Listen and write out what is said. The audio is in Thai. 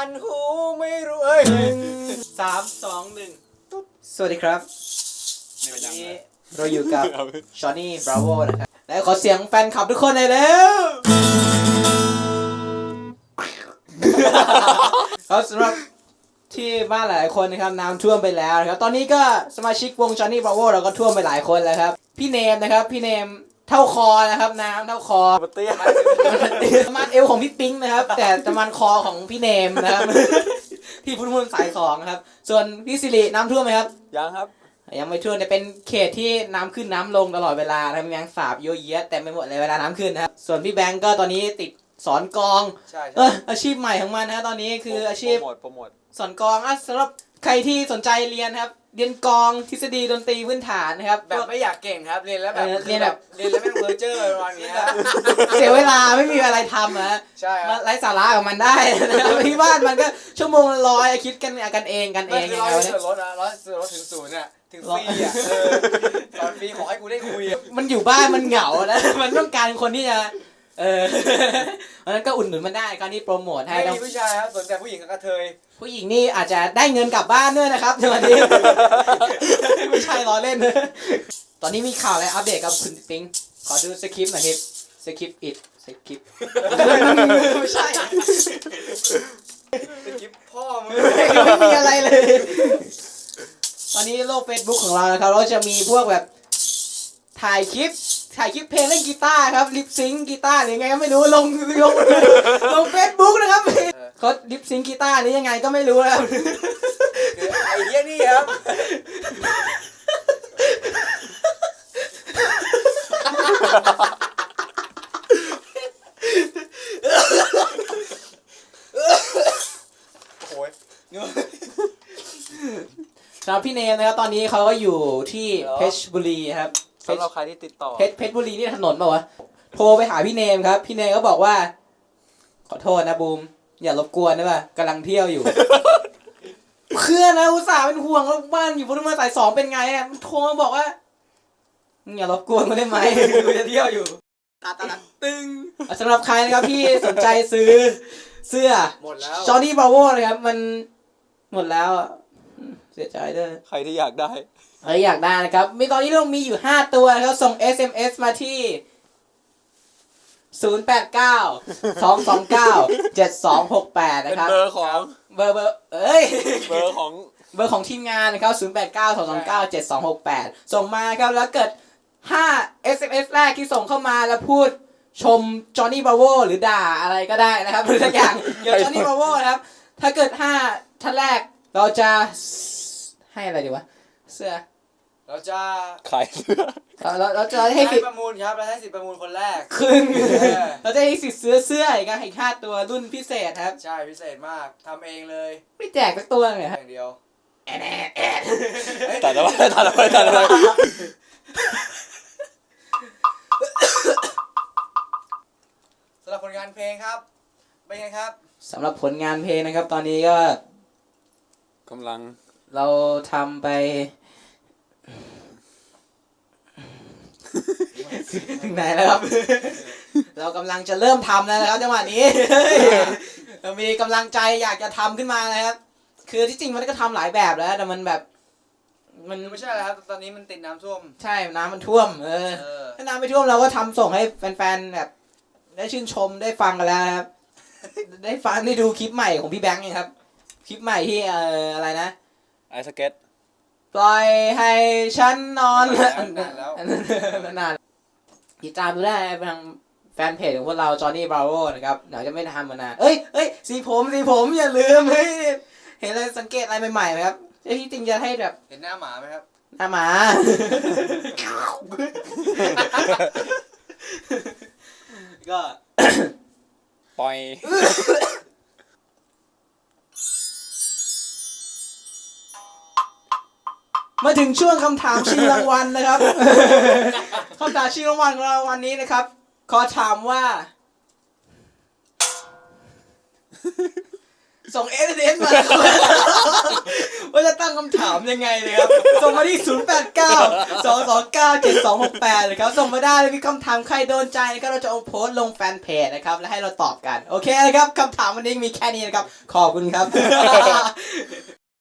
นหูไม่รู้3 2 1สวัสดีครับวันนี้เราอยู่กับชอนนี่บราโวนะครับและขอเสียงแฟนคลับทุกคนหน่อยเร็วครับสำหรับที่บ้านหลายคนนะครับน้ำท่วมไปแล้วนะครับตอนนี้ก็สมาชิกวงชอนนี่บราโวเราก็ท่วมไปหลายคนแล้วครับพี่เนมนะครับพี่เนมเท่าคอนะครับน้ำเท่าคอเตี้ยประมาณเอวของพี่ปิ๊งนะครับแต่ประมาณคอของพี่เนมนะครับที่พุทธมนต์สาย2นะครับส่วนพี่สิริน้ำท่วมไหมครับยังครับยังไม่ท่วมแต่เป็นเขตที่น้ำขึ้นน้ำลงตลอดเวลานะครับแมงสาบเยอะแยะแต่ไม่หมดเลยเวลาน้ำขึ้นนะครับส่วนพี่แบงก์ก็ตอนนี้ติดสอนกลองใช่อาชีพใหม่ของมันนะตอนนี้คืออาชีพโปรโมทสอนกลองสำหรับใครที่สนใจเรียนครับเรียนกลองทฤษฎีดนตรีพื้นฐานนะครับแบบไม่อยากเก่งครับเรียนแล้วแบบเรียนแล้วแม่งเพอร์เจอร์ประมาณนี้เสียเวลาไม่มีอะไรทำนะใช่ไร้สาระกับมันได้ที่บ้านมันก็ชั่วโมงละ100คิดกันเองไม่คือร้อยส่วนลดนะ100%ถึง0เนี่ยถึงฟรีอ่ะตอนฟรีขอให้กูได้คุยมันอยู่บ้านมันเหงานะมันต้องการคนที่จะเพราะนั้นก็อุ่นหนุนมันได้การที่โปรโมทให้ไม่มีผู้ชายครับสนใจผู้หญิงกับกระเทยผู้หญิงนี่อาจจะได้เงินกลับบ้านด้วยนะครับในวันนี้ไม่ใช่ล้อเล่นตอนนี้มีข่าวอะไรอัปเดตกับคุณปิ๊งขอดูสคริปต์หน่อยครับสคริปต์ไม่ใช่สคริปต์พ่อมึงไม่มีอะไรเลยตอนนี้โลก Facebook ของเรานะครับเราจะมีพวกแบบถ่ายคลิปเพลงเล่นกีตาร์ครับลิปซิงกีตาร์หรือไงก็ไม่รู้ลง Facebook นะครับเขาลิปซิงกีตาร์นี่ยังไงก็ไม่รู้นะครับไอ้เหี้ยนี่ครับโอ้ยสำหรับพี่เนมนะครับตอนนี้เขาก็อยู่ที่เพชรบุรีครับสำหรับใครที่ติดต่อเพชรบุรีนี่ถนนป่าวะโทรไปหาพี่เนมครับพี่เนมก็บอกว่าขอโทษนะบูมอย่ารบกวนได้ป่ะกำลังเที่ยวอยู่เพื่อนนะอุตส่าห์เป็นห่วงแล้วบ้านอยู่พุทธมณฑลสาย2เป็นไงอ่ะโทรมาบอกว่าอย่ารบกวนมาได้ไหมกูจะเที่ยวอยู่ตาตึงสำหรับใครนะครับที่สนใจซื้อเสื้อหมดแล้วจอห์นนี่บราโวนะครับมันหมดแล้วเสียใจด้วยใครที่อยากได้อยากได้นะครับมีตอนนี้เรามีอยู่5ตัวนะครับส่ง SMS มาที่089-229-7268นะครับเบอร์ของเบอร์เบอร์ของทีมงานนะครับ089-229-7268ส่งมาครับแล้วเกิด5 SMS แรกที่ส่งเข้ามาแล้วพูดชมจอห์นนี่บราโวหรือด่าอะไรก็ได้นะครับหรือทุกอย่างเกี่ยวกับจอห์นนี่บราโวนะครับถ้าเกิด5ท่านแรกเราจะให้อะไรดีวะเสื้อเราจะขายเสื้อเราจะให้สิทธิ์ประมูลครับเราให้สิทธิ์ประมูลคนแรกครึ่งเราจะให้สิทธิ์ซื้อเสื้ออีก5ตัวรุ่นพิเศษครับใช่พิเศษมากทำเองเลยไม่แจกสักตัวเลยครับอย่างเดียวตัดเอาไว้สำหรับผลงานเพลงครับเป็นไงครับสำหรับผลงานเพลงนะครับตอนนี้ก็กำลังเราทำไปถึงไหนแล้วครับเรากำลังจะเริ่มทำแล้วนะครับจังหวะนี้เรามีกำลังใจอยากจะทำขึ้นมานะครับคือที่จริงมันก็ทำหลายแบบแล้วแต่มันแบบมันไม่ใช่แล้วครับตอนนี้มันติดน้ำท่วมใช่น้ำมันท่วมถ้าน้ำไม่ท่วมเราก็ทำส่งให้แฟนๆแบบได้ชื่นชมได้ฟังกันแล้วครับได้ฟังได้ดูคลิปใหม่ของพี่แบงค์ครับคลิปใหม่ที่อะไรนะไอสเก็ตปล่อยให้ฉันนอนนานติดตามดูได้ทางแฟนเพจของพวกเราจอห์นนี่บราโวนะครับเดี๋ยวจะไม่ทำมานานเอ้ยสีผมอย่าลืมเห็นอะไรสังเกตอะไรใหม่ๆไหมครับที่จริงจะให้แบบเห็นหน้าหมาไหมครับหน้าหมาก็ปล่อยมาถึงช่วงคำถามชิงรางวัลนะครับคำถามชิงรางวัลของเราวันนี้นะครับขอถามว่าส่งSMS มาว่าจะตั้งคำถามยังไงเลยครับ ส่งมาที่ 0892297268เลยครับ ส่งมาได้เลยมีคำถามใครโดนใจนะครับเราจะเอาโพสต์ลงแฟนเพจนะครับ แล้วให้เราตอบกัน โอเคนะครับคำถามวันนี้มีแค่นี้นะครับ ขอบคุณครับ